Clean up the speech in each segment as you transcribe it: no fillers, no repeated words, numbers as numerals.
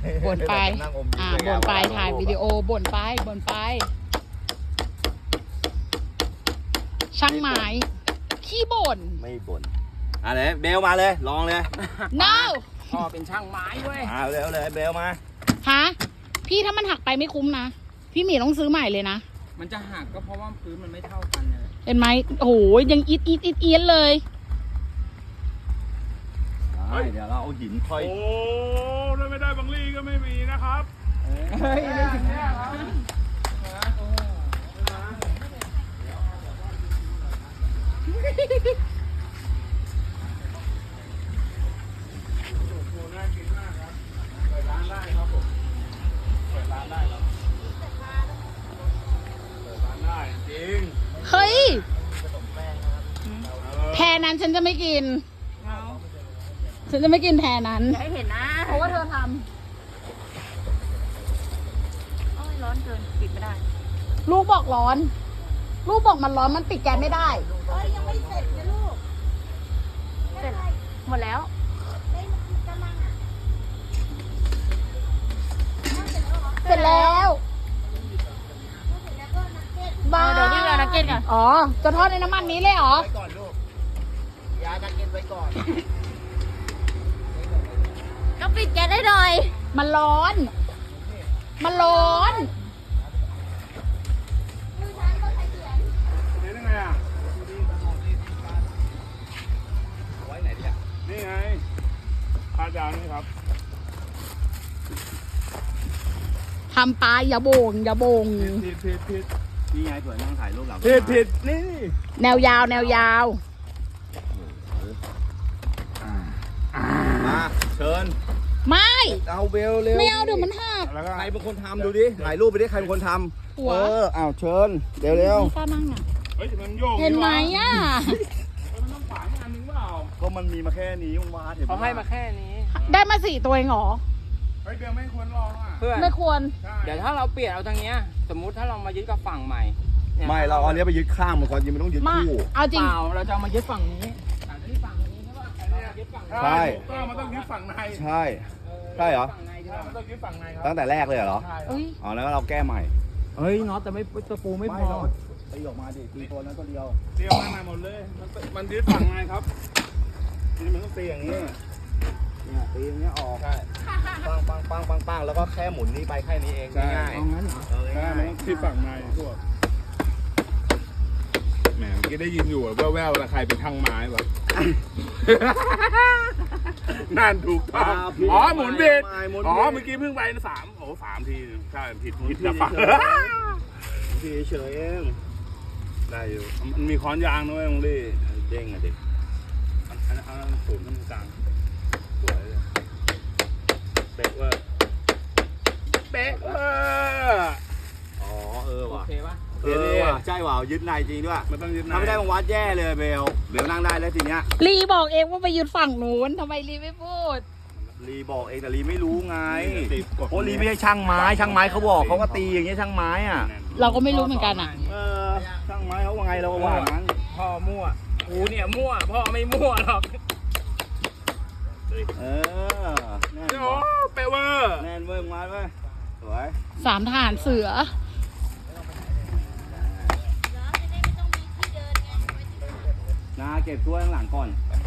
บ่นไปบ่นไปถ่ายวิดีโอบ่นไปช่างไม้ขี้บ่นไม่บ่นอะไรเบลมาเลยลองเลย no พ่อเป็นช่างไม้เว้ยเร็วเลยเบลมาฮะพี่ถ้ามันหักไปไม่คุ้มนะพี่หมีต้องซื้อใหม่เลยนะมันจะหักก็เพราะว่าพื้นมันไม่เท่ากันเลยเห็นไหมโอ้โหยังอีดเลยเดี๋ยวเราเอาหินค่อยโอ้ถ้าไม่ได้บังลี่ก็ไม่มีนะครับเฮ้ยไม่ถึงเนี่ยครับน่ากินมากครับเปิดร้านได้ครับผมเปิดร้านได้ครับเปิดร้านได้จริงเฮ้ยแพรนั้นฉันจะไม่กินฉันจะไม่กินแพรนั้นให้เห็นนะเพราะว่าเธอทโอ้ยร้อนเกินปิดไม่ได้ำลูกบอกร้อนลูกบอกมันร้อนมันปิดแก๊สไม่ได้เอ้ยยังไม่เสร็จนะลูกเสร็จหมดแล้วเสร็จแล้วเดี๋ยวพี่เอานักเก็ตก่อนอ๋อจะทอดในน้ำมันนี้เลยเหรอไว้ก่อนลูกยาจะกินไว้ก่อนก็ปิดแก๊สได้หน่อยมันร้อนเห็นยังไงอ่ะไว้ไหนดีอ่ะนี่ไงพาดาวนี่ครับทำปลาอย่าโบงผิดนี่ไงสวยนั่งถ่ายรูปหลังผิดนี่แนวยาวมาเชิญไม่เอาเบลเร็วไม่เอาเดี๋ยวมันหักใครเป็นคนทำดูดิถ่ายรูปไปดิใครเป็นคนทำเอาเชิญเร็วไม่กล้านั่งอ่ะมันโยกเห็นไหมอ่ะมันต้องฝานอันนึงเปล่าก็มันมีมาแค่นี้มึงมาเห็นเขาให้มาแค่นี้ได้มา4 ตัวเองเหรอเฮ้ยเบลไม่ควรลองอ่ะเพื่อนไม่ควรเดี๋ยวถ้าเราเปลี่ยนเอาทางเนี้ยสมมุติถ้าเรามายึดกับฝั่งใหม่ไม่เราเอาเนี้ยไปยึดข้างมันก่อนยังไม่ต้องยึดคู่เอาจริงเราจะมายึดฝั่งนี้ที่ฝั่งนี้ใช่ป่ะยึดฝั่งใช่มันต้องยึดฝั่งในใช่เหรอมันต้องยึดฝั่งในครับตั้งแต่แรกเลยเหรออ๋อแล้วเราแก้ใหม่เฮ้ยน็อตแต่ไม่ตะปูไม่พอตีออกมาดิตีตัวนั้นตัวเดียวข้างในหมดเลยมันยึดฝั่งในครับนี่มันต้องตีอย่างนี้เนี่ยตีอย่างเงี้ยออกใช่ปังแล้วก็แค่หมุนนี้ไปแค่นี้เองง่ายเอางั้นเหรอใช่มันต้องที่ฝั่งในพวกแหมเมื่อกี้ได้ยินอยู่แว่วๆแล้วใครเป็นช่างไม้วะนั่นถูกต้องอ๋อหมุนผิดอ๋อเมื่อกี้เพิ่งไป3 ทีใช่ผิดนะฝั่งพี่เฉยเองได้อยู่มันมีค้อนยางด้วยมึงดิเด้งอ่ะดิอันสูงขึ้นกลางสวยเลยเป๊ะว่าอ๋อว่ะโอเคป่ะว่ะใช่ว่ะยึดในจริงด้วยมันต้องยึดในถ้าไม่ได้บางวัดแย่เลยเบลนั่งได้แล้วทีเนี้ยลีบอกเองว่าไปยึดฝั่งนู้นทำไมลีไม่พูดลีบอกเองแต่ลีไม่รู้ไงเพราะลีไม่ใช่ช่างไม้เขาบอกเขาก็ตีอย่างเงี้ยช่างไม้อ่ะเราก็ไม่รู้เหมือนกันอ่ะช่างไม้เขาว่าไงเราว่างั้นพ่อมั่วกูเนี่ยมั่วพ่อไม่มั่วหรอกแน่นโอ้เปเวอร์แน่นเว้ยมาเว้ยสวย 3 ทหารเสือนาเก็บถ้วยข้างหลังก่อน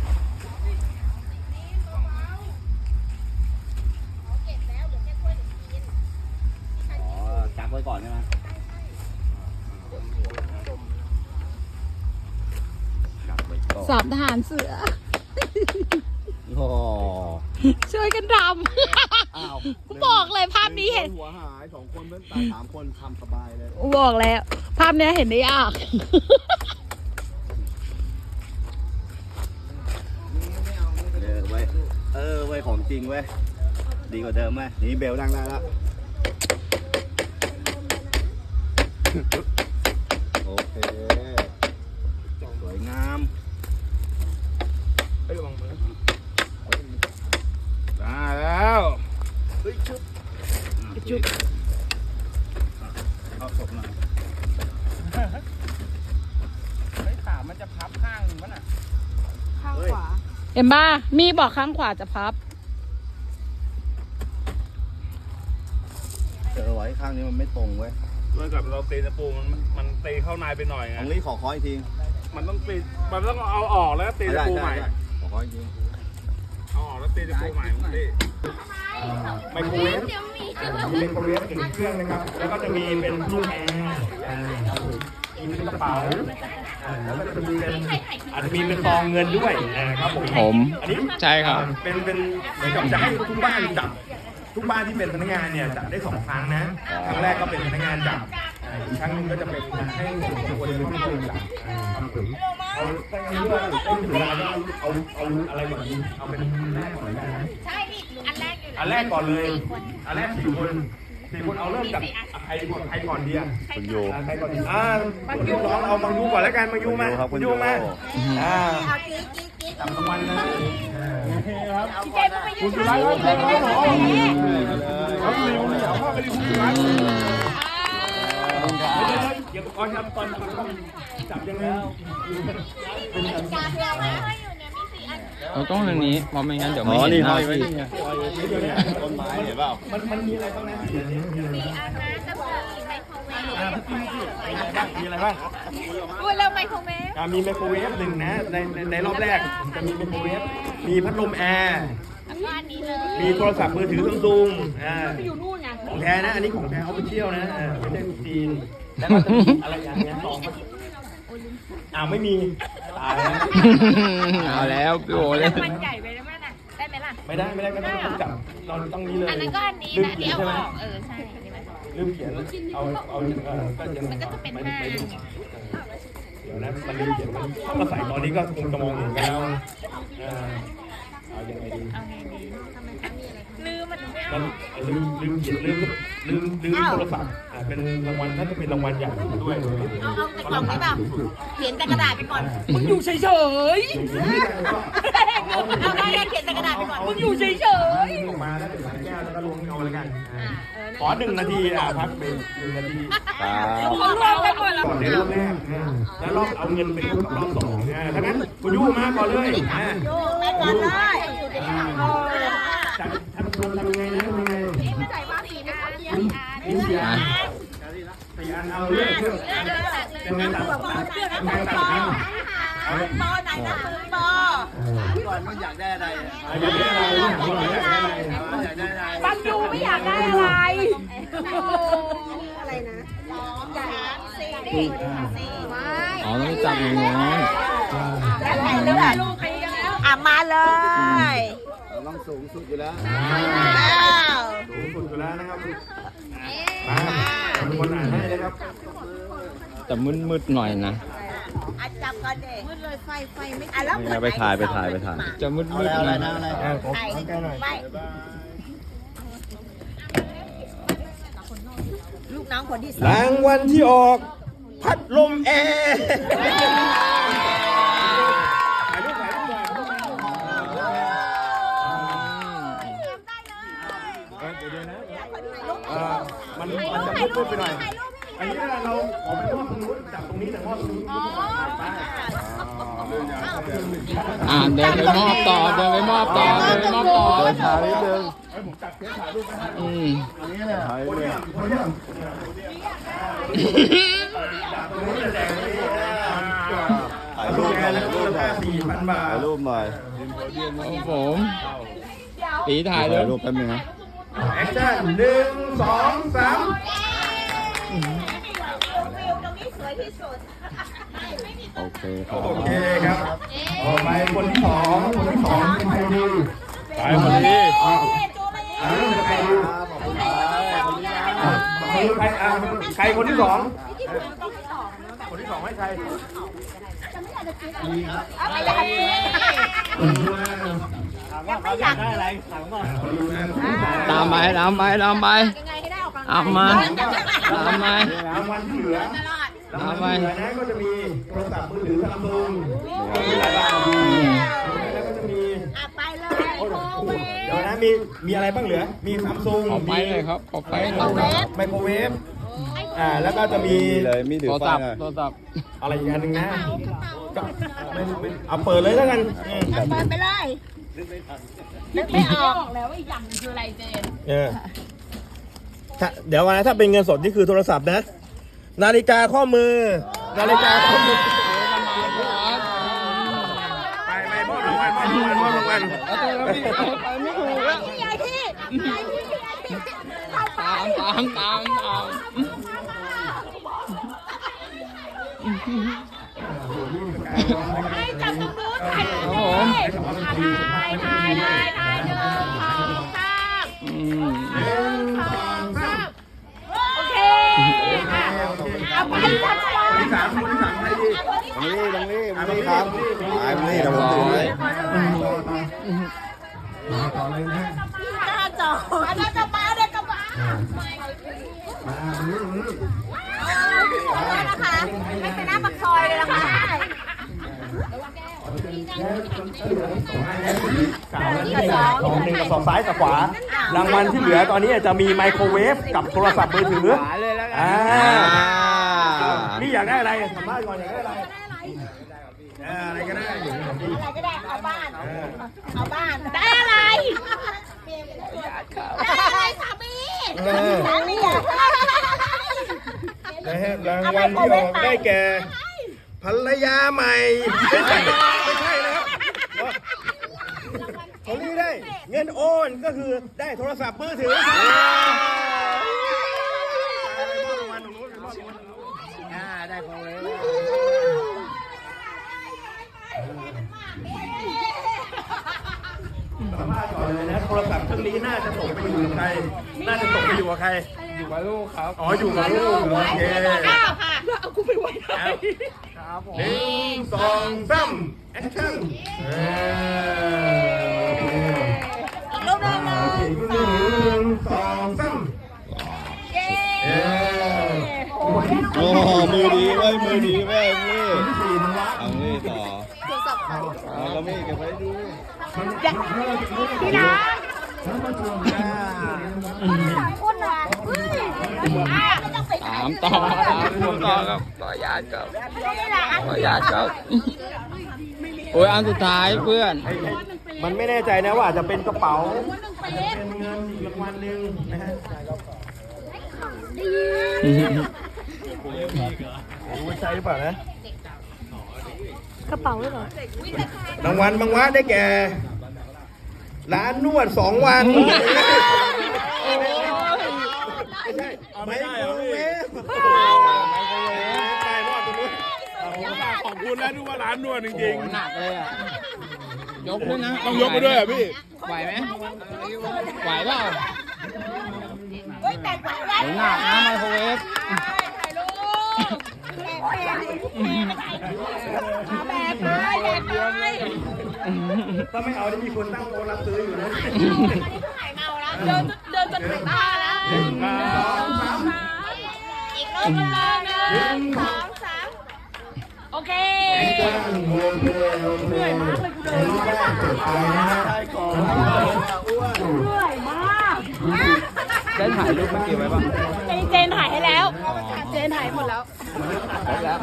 จับไว้ก่อนใช่ไหม 3 ทหารเสือช่วยกันทำกูบอกเลยภาพนี้เห็นหัวหาย2 คนเพื่อนตาย3 คนทำสบายเลยบอกแล้วภาพนี้เห็นได้ยากไว้ของจริงเว้ยดีกว่าเดิมไหมนี่เบลนั่งได้แล้วโอเคสวยงามระวังมือได้แล้วชุบเอาศพหน่อยขามันจะพับข้างหนึ่งป่ะน่ะข้างขวาเอ็มบ้ามีบอกข้างขวาจะพับข้างนี้มันไม่ตรงเว้ยด้วยกับเราตีตะปูมันตีเข้าในไปหน่อยไงของลี่ขอคอยอีกทีมันต้องตีมันต้องเอาออกแล้วตีตะปูใหม่ขอคอยอีกทีเอาออกแล้วตีตะปูใหม่พี่ไมโครเวฟมีไมโครเวฟถึงเครื่องนะครับ แล้วก็จะมีเป็นตู้แอร์มีเป็นกระเป๋าแล้วก็จะมีเป็นอาจจะมีเป็นซองเงินด้วยครับผม อันนี้ใช่ครับเป็นเหมือนกับจะให้ทุกบ้านจับทุกบ้านที่เป็นพนักงานเนี่ยจับได้2 ครั้งนะครั้งแรกก็เป็นพนักงานจับอีกครั้งหนึงก็จะเป็นให้คนเป็นผู้จับครับผมเอาถ้าอย่างนี้ด้วยต้องถึงเวลาก็เอาอะไรก่อนดีเอาเป็นแรกก่อนนะใช่พี่อันแรกอยู่อันแรกก่อนเลยอันแรก4 คนเอาเริ่มจากใครก่อนดีอ่ะคุณโยใครก่อนดีคุณน้องเอามังยูก่อนแล้วกันมังยูมาครับคุณโยมาเอากิ๊กกิ๊กกิ๊กจับรางวัลนะเจ๊ไปยืนคุณไรครับเจ๊ครับหมอเขาดีคุณเหนียวพ่อไปดีคุณไรเดี๋ยวก่อนครับตอนจับยังไงจับเราไม่ค่อยอยู่เนี่ยมี4 อันเราต้องทางนี้เพราะไม่งั้นเดี๋ยวอ๋ไม่อเห็นนี่หห้น้าอยไว้พี่นี่ต้นไม้เห็นเปล่ามันมีอะไรบ้างนะ 4 อันนะจะมีไมโครเวฟมีอะไรบ้างอุ้ยแล้วไมโครเวฟมีไมโครเวฟ1นะในรอบแรกจะมีไมโครเวฟมีพัดลมแอร์แล้วก็อันนี้เลยมีโทรศัพท์มือถือซัมซุงของแท้นะ อันนี้ของแท้เอาไปเที่ยวนะไม่ใช่ของจีน แล้วก็จะมีอะไรอย่างเงี้ยซองไม่มีตายแล้วเอาแล้วพี่โอเลยมันใหญ่ไปแล้วมั้ยน่ะได้ไหมล่ะไม่ได้ก็ต้องจับเราต้องนี้เลยอันนั้นก็อันนี้ลืมนะเขีที่ยนเอาใช่ไหมออกใช่อันนี้มันลืมเขียนเอาก็ยังมันก็จะเป็น5 เดี๋ยวนะมันลืมเขียนถ้ามาใส่ตอนนี้ก็คงจะมองเห็นกันแล้วเอายังไงดีเอาไงดีลืมมันไม่มัเอานลืมเขียนลืมโทรศัพท์เป็นรางวัลน่าจะเป็นรางวัลใหญ่ด้วยเอาแต่กล่องนี้แบบเขียนแต่กระดาษไปก่อนมึงอยู่เฉยเอาได้เขียนแต่กระดาษไปก่อนมึงอยู่เฉยมาแล้วเป็นสายแก้วแล้วก็ลงเอาแล้วกันขอ1 นาทีพักเบรก1 นาทีครับๆคนรอไปหมดแล้วก่อนในรอบแรกแล้วรอบเอาเงินไปกับรอบ2ถ้างั้นคุณยูมาก่อนเลยโยกไปก่อนเลยจัดทำยังไงนะทำยังไงไม่ใส่ว่าสีนะมี4 อันเอาเรื่องยังไงตัดยังไงตัดเอาปอไหนนะปอก่อนมันอยากได้อะไรอยากได้อะไรอยากได้อะไรปังยูไม่อยากได้อะไรอะไรนะ3 4ไม่ๆอ๋อต้องจับอย่างงี้แล้วใครเลือกลูกใครแล้วมาเลยเราต้องสูงสุดอยู่แล้วสูงสุดอยู่แล้วนะครับมาคนอ่านให้นะครับแต่มืดๆหน่อยนะจับก่อนเด็กมืดเลยไฟไม่แล้วไปถ่ายจะมืดๆหน่อยอะไรนะนะอะไรขอใกล้หน่อยไม่ลูกน้องคนที่รางวัลที่ออกพัดลมแอร์ถ่ายรูปหน่อยเดี๋ยวนะมันจะมืดไปหน่อยอันนี้เราขอไปมอบตรงนู้นจับตรงนี้แต่มอบตรงนู้นเดินไปมอบต่อเดินไปมอบต่อเดินทางนิดนึงอืมถ่ายเลย ถ่ายรูปหน่อยแล้วก็ค่า4,000 บาทถ่ายรูปหน่อยครับผมตีถ่ายเลถ่าย ยรูปแป๊บนึงนะแอคชั่น1 2 3 โอเคครับโอเคครับต่อไปคนที่สองเป็นใครดีไปคนนี้เป็นใครดีใครคนที่สองคนที่สองให้ใครไม่อยากได้อะไรตามไปเอามายังไงให้ได้ออกกำลังตามมารางวัลที่เหลือรางวัลที่เหลือนะก็จะมีโทรศัพท์มือถือซัมซุงแล้วก็จะมีไปเลยโคเวฟเดี๋ยวนะมีอะไรบ้างเหลือมีซัมซุงขอไปเลยครับขอไปไมโครเวฟแล้วก็จะมีมีเลยมีถืโทอรไฟศัพท์หน่อยโทรศัพท์อะไรอีกอันหนึ่งนะก็ไม่เอาเปิดเลยแล้วกันเปิดไปเลยนึกไม่ออกแล้วว่าอีกอย่างนึงคืออะไรเจนเดี๋ยวนะถ้าเป็นเงินสดนี่คือโทรศัพท์นะ นาฬิกาข้อมือ นาฬิกาข้อมือไปมอบรางวัลมอบรางวัลไปไม่ถูกแล้วยายพี่ยายพี่ตามให้จับตรงนู้นถ่ายรูปถ่ายหนึ่งสองสามโอเคเอาไปจับก่อนที่สามใครดีตรงนี้ครับไอ้นี่เดี๋ยวผมถือให้ต่อเลยนะหน้าจออันนั้นกระบะเด็กกระบะนะคะไม่เป็นหน้าปากซอยเลยนะคะของหนึ่งกับสองซ้ายกับขวา รางวัลที่เหลือตอนนี้จะมีไมโครเวฟกับโทรศัพท์มือถือนี่อยากได้อะไรสัมภาษณ์ก่อนอยากได้อะไรอะไรก็ได้อะไรก็ได้เอาบ้านได้อะไรได้อะไรสามีสามีอยากได้นะฮะรางวัลที่ออกได้แก่ภรรยาใหม่ไม่ใช่นะครับของนี้ได้เงินโอนก็คือได้โทรศัพท์มือถือได้ของเลยสามารถก่อนเลยนะโทรศัพท์เครื่องนี้น่าจะตกไปอยู่กับใครอยู่กับลูกครับอ๋ออยู่กับลูกโอเคเอากูไปไว้ไหนครับผม1 2 3แอคชั่นอีกรูปหนึ่ง 1 2 3 โอ้มือดีเว้ยนี่เอานี่ต่อเอาก็ไม่เก็บไว้ดูพี่น้องคุณอ่ะตามต่อครับต่อยาดครับโอ้ยอันสุดท้ายเพื่อนมันไม่แน่ใจนะว่าอาจจะเป็นกระเป๋าอาจจะเป็นเงินอีกรางวัลหนึ่งนะฮะรู้ใช่หรือเปล่านะกระเป๋าด้วยเหรอรางวัลบางวัดได้แก่ร้านนวด2 วันไม่ใช่ไมโครเวฟไปรอดตรงนู้นขอบคุณนะดูว่าร้านนวดจริงหนักเลยอ่ะยกขึ้นนะๆต้องยกไปด้วยอ่ะพี่ไหวไหมไหวเปล่าเฮ้ยแต่งไว้ไว้หนักนะไมโครเวฟถ่ายรูปแบบเลยถ้าไม่เอาได้มีคนตั้งโต๊ะรับซื้ออยู่นะถ่ายเมาแล้วเดินจนถึงบ้านแล้วอีกรูปนึง1 2 3โอเคเหนื่อยมากเลยกูเดินเหนื่อยมากได้ถ่ายรูปเมื่อกี้ไว้ป่ะเจนถ่ายให้แล้วเจนถ่ายหมดแล้วแล้ว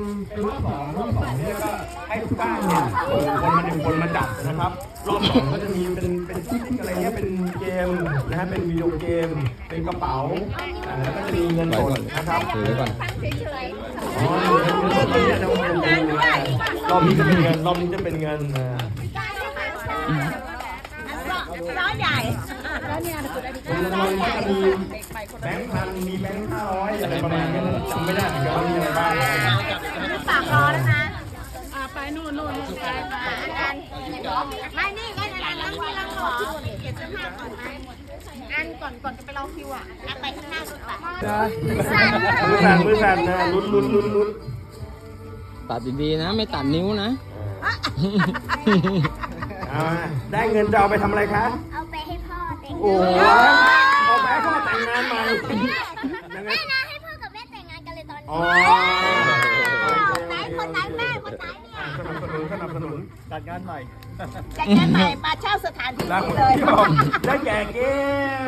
ให้ทุกบ้านเนี่ยคนมาจับนะครับรอบ2ก็จะมีเป็นที่อะไรเงี้ยเป็นเกมนะฮะเป็นวิดีโอเกมเป็นกระเป๋าแล้วก็จะมีเงินสดนะครับถือไว้ก่อนรอบนี้จะเป็นเงินรอบนี้จะเป็นเงินร้อยใหญ่แล้วเนี่ยมันก็จะมีแบงค์พันมีแบงค์500อะไรประมาณนี้จำไม่ได้เหมือนกันว่ามีอะไรบ้างฝากรอนะคะไปนู่นไปไม่นี่ก็จะนั่งที่เราขอเก็บเสื้อผ้าก่อนไหมอันก่อนจะไปรอคิวอ่ะไปข้างหน้าสุดตัดมือสั่นนะลุ้นตัดดีๆนะ ไม่ตัดนิ้วนะได้เงินจะเอาไปทำอะไรคะเอาไปให้พ่อแต่งโอ้เอาไปให้พ่อแต่งงานใหม่ไม่นะให้พ่อกับแม่แต่งงานกันเลยตอนนี้ไหนคนไหนแม่คนไหนเนี่ยสนับสนุนจัดงานใหม่จัดงานใหม่มาเช่าสถานที่แล้วเลยได้แก่เกม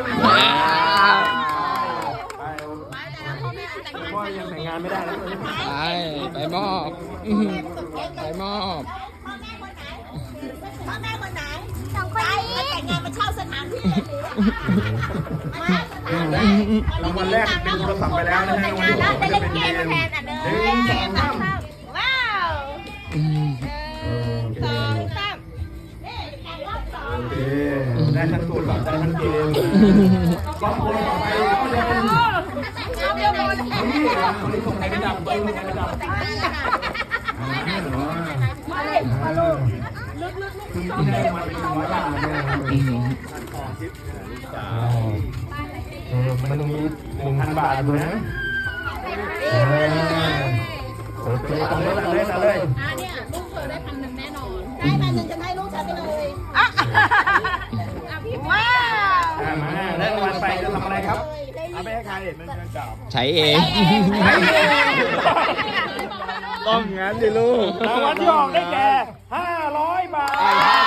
พ่อยังแต่งงานไม่ได้แล้วไปมอบไปมอบพ่อแม่คนไหนสองคนนี้แต่งงานมาเช่าสถานที่เลยหรือรางวัลแรกเป็นโทรศัพท์ไปแล้วนะฮะแต่งงานแล้วได้เล่นเกมแทนอ่ะเนยว้าวสองสามโอเคได้ทั้งโทรศัพท์ได้ทั้งเกมบางคนต่อไปก็จะเป็นนี่คนนี้ส่งใครไปดับเบิ้ลใครไปดับคือที่ได้มาเป็น100 บาทเนี่ยมันมี 1,000 บาทอยู่นะโอเคทำเลยเนี่ยลูกเธอได้1,000แน่นอนได้1,000จะให้ลูกฉันไปเลยว้าวมาได้รางวัลไปจะทำอะไรครับเอาไปให้ใครมันจะจับใช้เองต้องงั้นดิลูกรางวัลที่ออกได้แก่500 บาท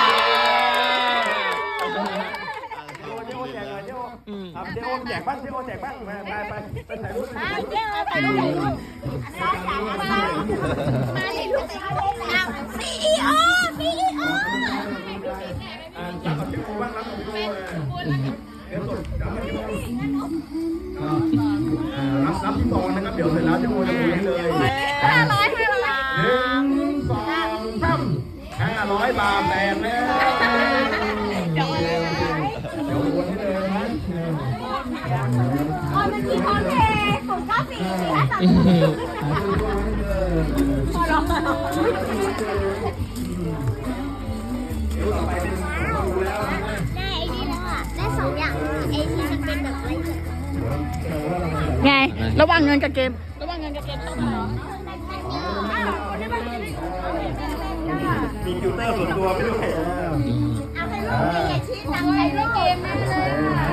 เจ๊โอแจกเลยเจ๊โอครับเจ๊โอแจกบ้างเจ๊โอแจกบ้างไปถ่ายรูปเจ๊ไปลูกมาดิลูกซีอีโอจับกับเจ๊โอบ้างรับกับเจ๊โอเดี๋ยวสดจับกับเจ๊โอรับที่2นะครับเดี๋ยวเสร็จแล้วเจ๊โอจะโอนให้เลย1 2 3 500 บาทแตกแล้วเดี๋ยวโอนให้เลยนะมันมีคอนเทนต์094 พอร้องได้ไอ้นี่แล้วอ่ะ ได้2 อย่างไอ้ที่มันเป็นแบบไรไง ระหว่างเงินกับเกมต้องมาเหรอมีฟิลเตอร์ส่วนตัวไม่ด้วยเอาให้ลูกมีไงชี้นำให้เล่นเกมได้เลย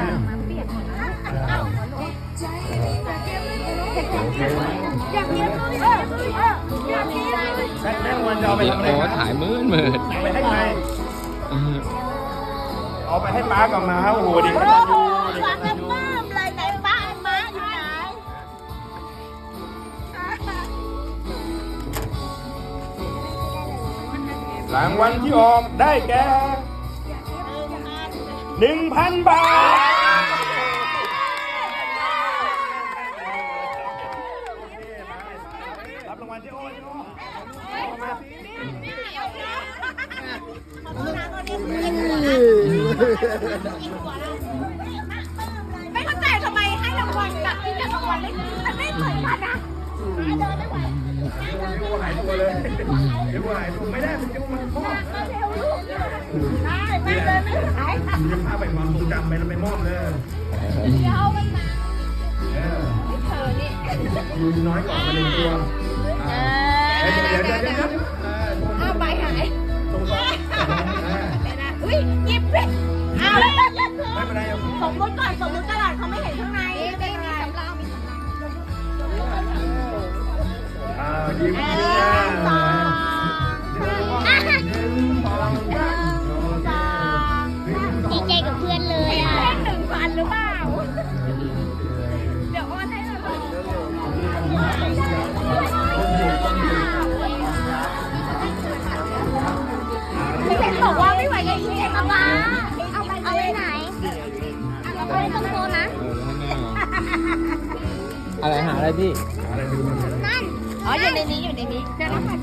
อยากเรียนอยากเรียนแม่วันจะเอาไปวิทำดีอะไรโอครับถ่ายมืดเอาไปให้ใครเอาไปให้ป้ากับม้าโอ้โหดีโอ้ขนาดโหนี้ฟังแล้วปลื้มเลยไหนป้าไอ้ม้าอยู่ไหนรางวัลที่ออกได้แก่ 1,000 บาทรับรางวัลเจ๊โอ้เจ๊โอ้มาสิไม่เข้าใจทำไมให้รางวัลกับที่จะรางวัลมันไม่เหมือนกันนะเดินไม่ไหวเจ๊โอ้หายตัวเลยเจ๊โอ้หายตัวไม่ได้เจ๊โอ้มันมอบได้ไม่เดินไม่ไหวจะพาไปความทรงจำไปแล้วไปมอบเลยเดี๋ยวมันมาเธอนี่ดูน้อยกว่าไปเลยตัวเดี๋ยวเอาใบหายตรงก่อนอุ้ยหยิบเลยเอาไม่เป็นไรสมมติก่อนสมมติตลาดเขาไม่เห็นข้างในเป็นไรสำรองมียิ้มดีใจกับเพื่อนเลยอ่ะ 1,000หรือเปล่าเดี๋ยวโอนให้เราไม่เห็นบอกว่าไม่ไหวกับอีเอ็มมาเอาไปไหน เอาไปตรงโซนนะอะไรหาอะไรพี่นั่นอ๋ออยู่ในนี้เดี๋ยวนะคะ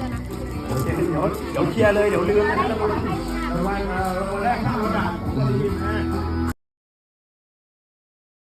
เดี๋ยวเคลียร์เลยเดี๋ยวลืมนะรางวัลแรก500 บาทผมจะลืมนะ